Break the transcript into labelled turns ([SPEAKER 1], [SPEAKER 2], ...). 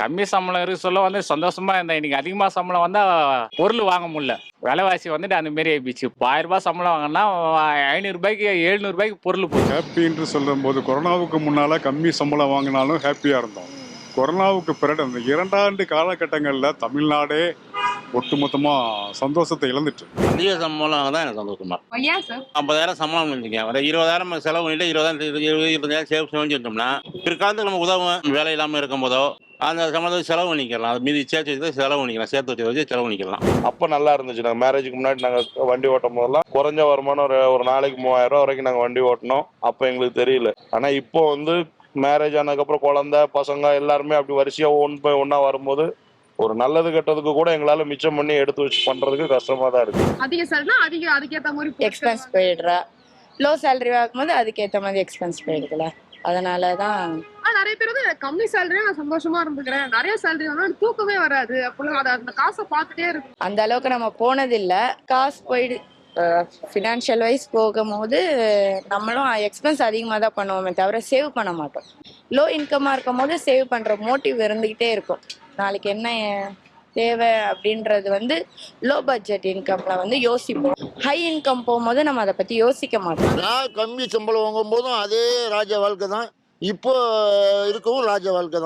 [SPEAKER 1] கம்மி சம்பளம் இருக்கு சொல்ல வந்து சந்தோஷமா இருந்தேன். இன்னைக்கு அதிகமா சம்பளம் வந்தா பொருள் வாங்க முடியல. விலைவாசி வந்துட்டு அந்த மாரி ஆயிடுச்சு. இப்போ 1000 ரூபாய் சம்பளம் வாங்கினா ரூ. 500 ரூ. 700 பொருள் போச்சு.
[SPEAKER 2] ஹாப்பி என்று சொல்லும்போது கொரோனாவுக்கு முன்னால கம்மி சம்பளம் வாங்கினாலும் ஹாப்பியா இருந்தோம். கொரோனாவுக்கு பிறகு அந்த 2 ஆண்டு காலகட்டங்களில் தமிழ்நாடே ஒட்டுமொத்தமா சந்தோஷத்தை இழந்துட்டு.
[SPEAKER 3] அதிக சம்பளம் தான் எனக்கு சந்தோஷமா.
[SPEAKER 4] ஏன் சார்?
[SPEAKER 3] 50,000 சம்பளம் பண்ணிருக்கேன். ஒரு 20,000 செலவு பண்ணிட்டு 20,000 சேவ் செஞ்சுட்டோம்னா பிற்காலத்துக்கு நமக்கு உதவும். வேலை இல்லாமல் இருக்கும் போதோ அந்த சம்பளத்தை செலவு பண்ணிக்கலாம். அது மீதி சேர்த்து வச்சு செலவு பண்ணிக்கலாம். சேர்த்து வச்சு செலவு பண்ணிக்கலாம்.
[SPEAKER 5] அப்போ நல்லா இருந்துச்சு. நாங்கள் மேரேஜுக்கு முன்னாடி நாங்கள் வண்டி ஓட்டும் போதெல்லாம் குறைஞ்ச வருமானம் ஒரு நாளைக்கு 3000 ரூபா வரைக்கும் நாங்கள் வண்டி ஓட்டினோம். அப்போ எங்களுக்கு தெரியல. ஆனால் இப்போ வந்து மேரேஜ் ஆனதுக்கப்புறம் குழந்தை பசங்க எல்லாருமே அப்படி வரிசையாக ஒன்றா வரும்போது ஒரு நல்லது கெட்டதுக்கு கூட எங்களால் மிச்சம் பண்ணி எடுத்து வச்சு பண்ணுறதுக்கு கஷ்டமாக தான் இருக்குது.
[SPEAKER 4] அதிக சேலரினா அதுக்கேற்ற மாதிரி
[SPEAKER 6] எக்ஸ்பென்ஸ் போயிடுறா. லோ சேலரி ஆகும்போது அதுக்கேற்ற மாதிரி எக்ஸ்பென்ஸ் போயிடுதுல. அதனால தான்
[SPEAKER 4] நிறைய பேர் வந்து கம்மி சேலரியா நான் சந்தோஷமா இருந்துக்கிறேன், நிறைய சேலரி வந்து தூக்கமே வராது அப்போ அந்த காசை பார்த்துட்டே இருக்கும்.
[SPEAKER 6] அந்த அளவுக்கு நம்ம போனதில்லை. காசு போயிடு ஃபினான்ஷியல் வைஸ் போகும்போது நம்மளும் எக்ஸ்பென்ஸ் அதிகமாக தான் பண்ணுவோமே தவிர சேவ் பண்ண மாட்டோம். லோ இன்கமாக இருக்கும் போது சேவ் பண்ணுற மோட்டிவ் இருந்துக்கிட்டே இருக்கும். நாளைக்கு என்ன தேவை அப்படின்றது வந்து லோ பட்ஜெட் இன்கம்ல வந்து யோசிப்போம். ஹை இன்கம் போகும்போது நம்ம அதை பற்றி யோசிக்க மாட்டோம்.
[SPEAKER 7] நான் கம்மி சம்பளம் வாங்கும் போதும் அதே ராஜ வாழ்க்கை தான், இப்போ இருக்கவும் ராஜ வாழ்க்கை தான்.